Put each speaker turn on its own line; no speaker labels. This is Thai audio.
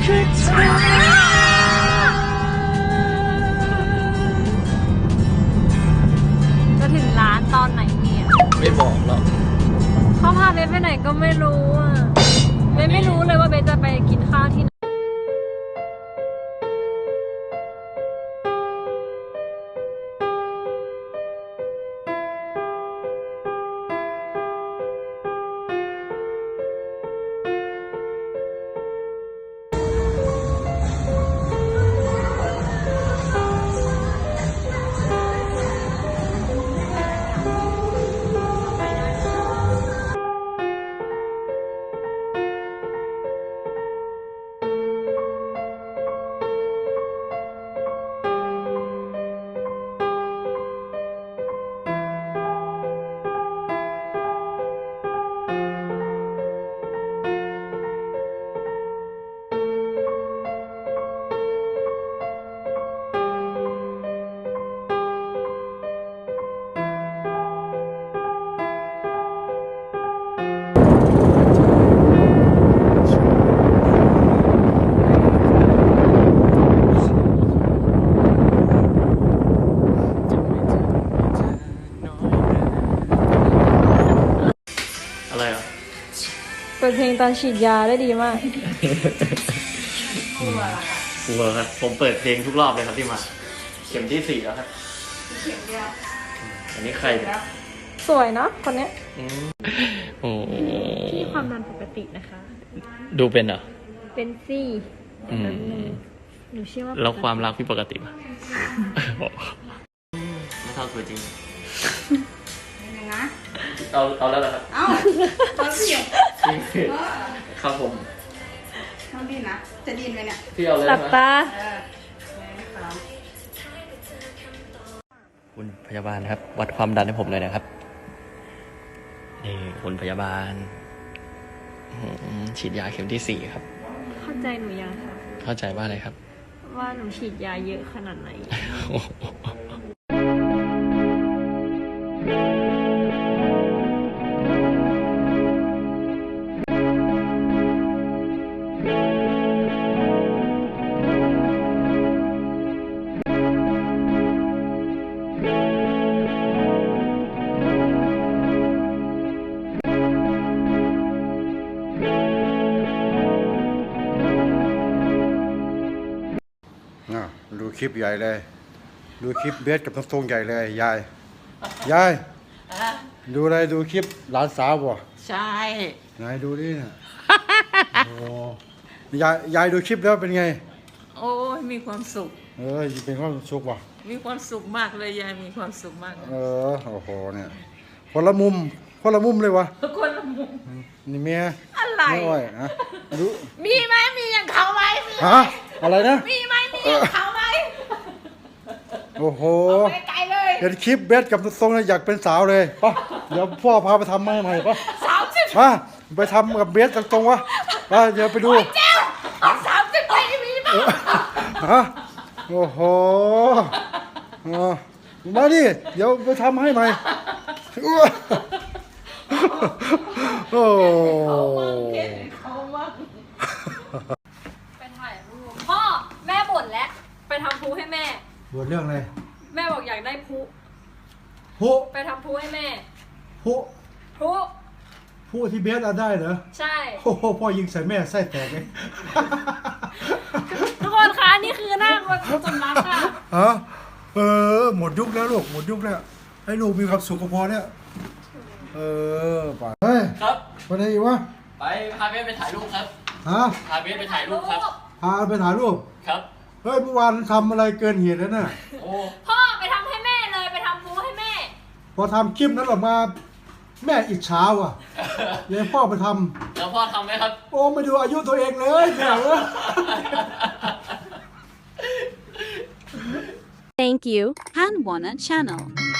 คือเธอจะถึงร้านตอนไหนเนี่ย
ไม่บอกหรอก
เขาพาเบสไปไหนก็ไม่รู้อ่ะเบสไม่รู้เลยว่าเบสจะไปกินข้าวที่ไหน
อะไรอ่ะ
เปิดเพลงตอนฉีดยาได้ดีมาก
กลัวครับผมเปิดเพลงทุกรอบเลยครับที่มาเข็มที่ 4แล้วครับเข็มเดียวอันนี้ใครเนี่ย
สวยเนาะคนเนี้ย
โอ้
ที่ความดันปกตินะคะ
ดูเป็นเหรอ
เป็นซี่หนูเชื่อว่า
แล้วความรักพี่ปกติป่ะไม่เท่าตัวจริง
นะ
เอาแล้วเหรอครับ
เอาสิ
ครับผม
ต้องดินนะจะดินไหมเนี่ย
พี่เอาเลย
หลับตา
คุณพยาบาลครับวัดความดันให้ผมเลยนะครับนี่คุณพยาบาลฉีดยาเข็มที่ 4ครับ
เข้าใจหนูยังคะ
เข้าใจว่าอะไรครับ
ว่าหนูฉีดยาเยอะขนาดไหน
ดูคลิปใหญ่เลยดูคลิปเบสกับน้องทรงใหญ่เลยยายดูอะไรดูคลิปหลานสาวบ่
ใช่
ไหนดูดิน่ะโอ้ยายดูคลิปแล้วเป็นไง
โอ้ยมีความสุข
เป็นความสุขว่ะ
มีความสุขมากเลยยายมีความสุขมาก
โอ้โหเนี่ยคนละมุมเลยวะ
คนละมุม
นี่เมีย
อะไร
ไม่ไหวนะดู
มีไหมมีอย่างเขาไหม
ฮะอะไรนะ
มีไหมมีอย่างเขาไหม
โอ้โห
ไกลเลย
เห็นคลิปเบสกับทรงอยากเป็นสาวเลยป่ะเดี๋ยวพ่อพาไปทำให้ใหม่ป่ะ
30
ไปทำกับเบสกับทรงวะเดี๋ยวไปดู
เจ้า30ปีมีป่ะ
ฮะโอ้โหมาดิเดี๋ยวไปทำให้ใหม่โอ้
เขามากไปถ่ายรูปพ่อแม่บ่นแล้วไปทำพลุให้แม่
บ่นเรื่องอะไร
แม่บอกอยากได้พลุไปทำพลุให้แม่
พลุที่เบสเอาได้เหรอ
ใช่
โอ้โหพ่อยิงใส่แม่ไส้แตกเลย
ทุกคนคะนี่คือหน้าคนสมรักค่ะ
หมดยุคแล้วลูกหมดยุคแล้วให้ลูกมีความสุขก็พอแล้วไปเฮ้ย
ครับ
ไปไหนอีกวะ
ไปพาเบสไปถ่ายรูปครับพาเบสไปถ่ายรูปครับ
พาไปถ่ายรูป
ครับ
เฮ้ยเมื่อวานทำอะไรเกินเหตุแล้วน่ะ
พ่อไปทำให้แม่เลยไปทำพลุให้แม่
พอทำคลิปนั้นออกมาแม่อิจฉาว่ะเดี๋ยวพ่อไปท
ำแล้วพ่อทำไหมครับ
โอ้ไม่ดูอายุตัวเองเลยแม่เว้ย
Thank you, Hanwana Channel.